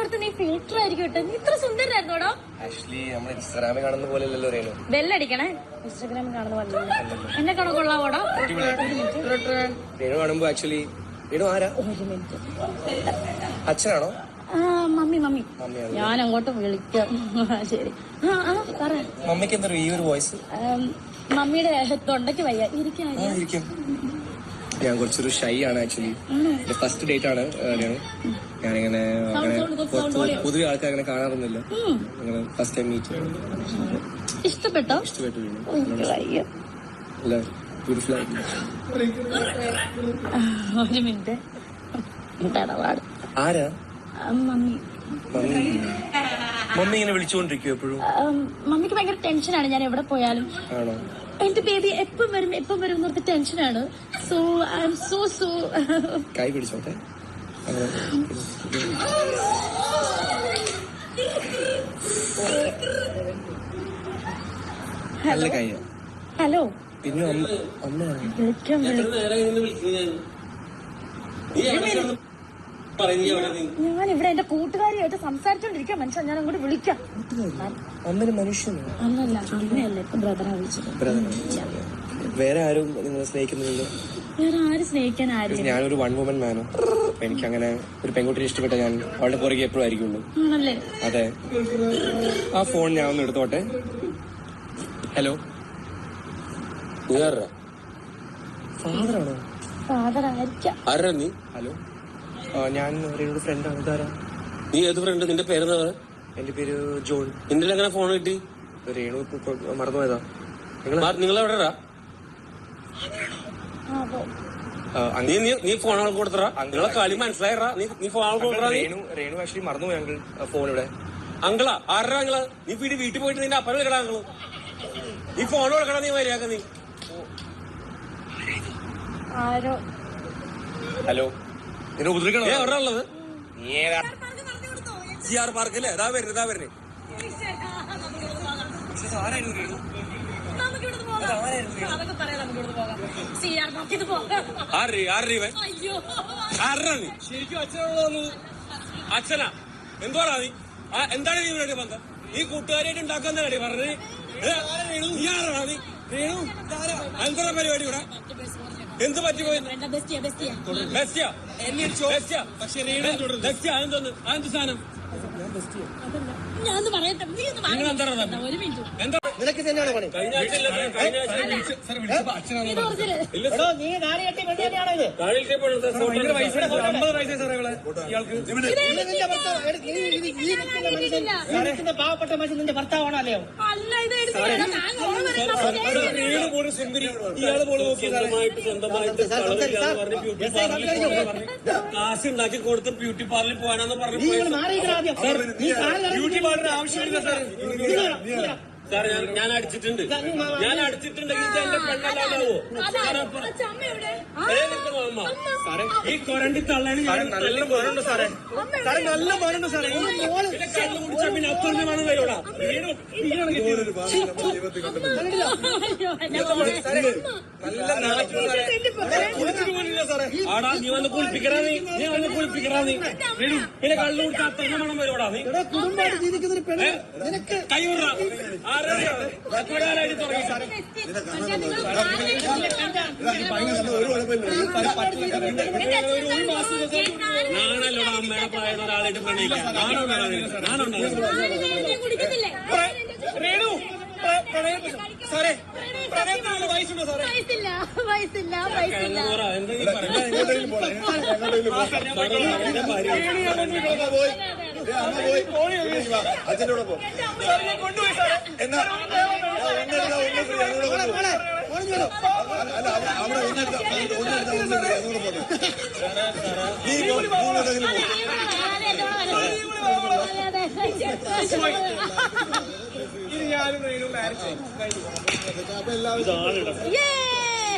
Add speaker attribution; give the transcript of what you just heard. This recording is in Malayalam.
Speaker 1: ഓർത്ത് നീ ഫിൽറ്റർ ആയിരിക്കും കേട്ടോ. നീ ഇത്ര സുന്ദരനായിരുന്നോടോ?
Speaker 2: ആക്ച്വലി നമ്മൾ ഇൻസ്റ്റാഗ്രാമിൽ കാണുന്ന പോലെ അല്ലല്ലോ രേണു.
Speaker 1: ബെല്ലടിക്കണേ. ഇൻസ്റ്റാഗ്രാമിൽ കാണുന്ന പോലെ എന്നെ കാണോ കൊള്ളാവോടോ?
Speaker 2: രേണു കാണുമ്പോ ആക്ച്വലി രേണു ആരാ?
Speaker 1: ഒരു മിനിറ്റ്.
Speaker 2: അച്ഛനാണോ?
Speaker 1: മമ്മി. ഞാൻ അങ്ങോട്ട് വിളിക്കാം. ശരി. പറ.
Speaker 2: മമ്മിക്ക് എന്താ ഈ ഒരു വോയിസ്?
Speaker 1: മമ്മിയുടെ തൊണ്ടയ്ക്ക് വയ്യ. ഇരിക്കും.
Speaker 2: ഞാൻ കുറച്ചൊരു ഷൈ ആണ് ആക്ച്വലി. ഫസ്റ്റ് ഡേറ്റ് ആണ് രേണു. ഞാനിങ്ങനെ പൊതുവെ ആൾക്കാർ അങ്ങനെ കാണാറൊന്നുമില്ല. അങ്ങനെ ഫസ്റ്റ് ടൈം മീറ്റ്.
Speaker 1: ഇഷ്ടപ്പെട്ടോ?
Speaker 2: ഇഷ്ടപ്പെട്ടു.
Speaker 1: ഒരു മിനിറ്റ്.
Speaker 2: ആരാ?
Speaker 1: മമ്മി
Speaker 2: ഇങ്ങനെ വിളിച്ചുകൊണ്ടിരിക്കും എപ്പോഴും.
Speaker 1: മമ്മിക്ക് ഭയങ്കര ടെൻഷനാണ് ഞാൻ എവിടെ പോയാലും.
Speaker 2: ആണോ?
Speaker 1: എന്റെ ബേബി എപ്പം വരും എന്നോർത്ത് ടെൻഷനാണ്. സോ ഐ എം സോ
Speaker 2: കൈ പിടിച്ചോട്ടെ. നല്ല കൈ.
Speaker 1: ഹലോ.
Speaker 2: പിന്നെ
Speaker 1: വിളിക്കാം. ഞാൻ ഇവിടെ എന്റെ കൂട്ടുകാരിയായിട്ട് സംസാരിച്ചോണ്ടിരിക്കാം മനുഷ്യൻ. ഞാൻ അങ്ങോട്ട് വിളിക്കാം.
Speaker 2: അമ്മന് മനുഷ്യനോ?
Speaker 1: അന്നല്ല, അമ്മയല്ല. ഇപ്പൊ ബ്രദറാ വിളിച്ചത്.
Speaker 2: വേറെ ആരും നിങ്ങളെ സ്നേഹിക്കുന്നില്ലല്ലോ?
Speaker 1: വേറെ ആരും സ്നേഹിക്കാൻ ആരും.
Speaker 2: ഞാനൊരു വൺ വുമൻ മാനോ. എനിക്ക് അങ്ങനെ ഒരു പെൺകുട്ടിയെ ഇഷ്ടപ്പെട്ട ഞാൻ അവളുടെ പുറകെ എപ്പോഴും ആയിരിക്കുള്ളൂ.
Speaker 1: ആണല്ലേ?
Speaker 2: അതെ. ആ ഫോൺ ഞാൻ ഒന്ന് എടുത്തോട്ടെ. ഹലോ. ഫാദറാണോ?
Speaker 1: ഫാദർ ആയിരിക്കാം.
Speaker 3: ആരാ നീ?
Speaker 2: ഹലോ, ഞാൻ രേണുടെ ഫ്രണ്ടാണ്. ഇതാരാ?
Speaker 3: നീ ഏത് ഫ്രണ്ട്? നിന്റെ പേരെന്താ?
Speaker 2: എന്റെ പേര് ജോൺ.
Speaker 3: നിന്റെ എങ്ങനെ ഫോൺ കിട്ടി?
Speaker 2: രേണു മറന്നുപോയതാ.
Speaker 3: നിങ്ങളെവിടെടാ? നീ ഫോൺ ആൾക്ക് കൊടുത്തറാ? നിങ്ങളെ കളി മനസ്സിലായറാ? നീ ഫോൺ ആൾക്ക് കൊടുത്തറാ?
Speaker 2: രേണു ആക്ച്വലി മറന്നുപോയി അങ്കിൾ ഫോൺ ഇവിടെ.
Speaker 3: അങ്കിളാ? ആരാ അങ്കിള്? നീ വീട്ടിൽ പോയിട്ട് നിന്റെ അപ്പനെ വിളിക്കടാ അങ്കിള്. നീ ഫോൺ കൊടുക്കടാ. നീ മര്യാദ. നീ
Speaker 1: ആരോ.
Speaker 2: ഹലോ. നിന്നെ ഉപദ്രവിക്കണോ?
Speaker 3: എവിടെ ഉള്ളത്?
Speaker 2: സിആർ പാർക്കല്ലേ? ഇതാ വരുന്നത്.
Speaker 3: ശരിക്കും അച്ഛനാണോ? അച്ഛനാ? എന്തുവാടാ നീ? എന്താണ് നീ ഇവിടെ ബന്ധം? നീ കൂട്ടുകാരായിട്ട് ഉണ്ടാക്കാൻ തന്നെ പറഞ്ഞത്? നീ ആരാണോ? നീ രേണു എന്താ പരിപാടി ഇവിടെ? എന്ത് പറ്റിപ്പോയി? ബെസ്റ്റിയാ? പക്ഷെ അതെന്തോന്ന്? അതെന്ത് സാധനം?
Speaker 2: നിനക്ക് തന്നെയാണോ പണി?
Speaker 4: പാവപ്പെട്ട മനുഷ്യൻ നിന്റെ ഭർത്താവാണോ? അല്ലയോ?
Speaker 3: കാശ് ഉണ്ടാക്കി കൊടുത്ത് ബ്യൂട്ടി പാർലറിൽ പോകാനാന്ന് പറഞ്ഞു. ബ്യൂട്ടി പാർലർ ആവശ്യമില്ല സാർ. സാർ ഞാൻ അടിച്ചിട്ടുണ്ട്. അടിച്ചിട്ടുണ്ടെങ്കിൽ എന്റെ പെണ്ണല്ലാതാവോ? ഈ കൊരണ്ടി തള്ളാണ്. നല്ല മോനുണ്ട് സാറേ. നല്ല മോനുണ്ട് സാറേ. കള്ളു കുടിച്ചാ പിന്നെ അപ്പുറത്തെ മണം വരോടാ. ആടാ നീ വന്ന് കുളിപ്പിക്കറാ. നീ വന്ന് കുളിപ്പിക്കറാ. നീ പിന്നെ കള്ളു കുടിച്ചാ അപ്പുറത്തെ മണം വരോടാ. നീ കൈ വിടറാ. നാണല്ലോടാ അമ്മയുടെ പ്രായം ഒരാളായിട്ട് പ്രണയിക്കാൻ. രേണു സാറേ പ്രണയത്തിനുള്ള വയസ്സുണ്ടോ സാറേ?
Speaker 1: വയസ്സില്ല.
Speaker 2: അച്ഛനോട് പോ.
Speaker 4: കൊണ്ടുപോയി സാറേ.
Speaker 2: എന്നാ അവിടെ
Speaker 4: ഇത് ഞാനും മാരേജ് കഴിഞ്ഞു.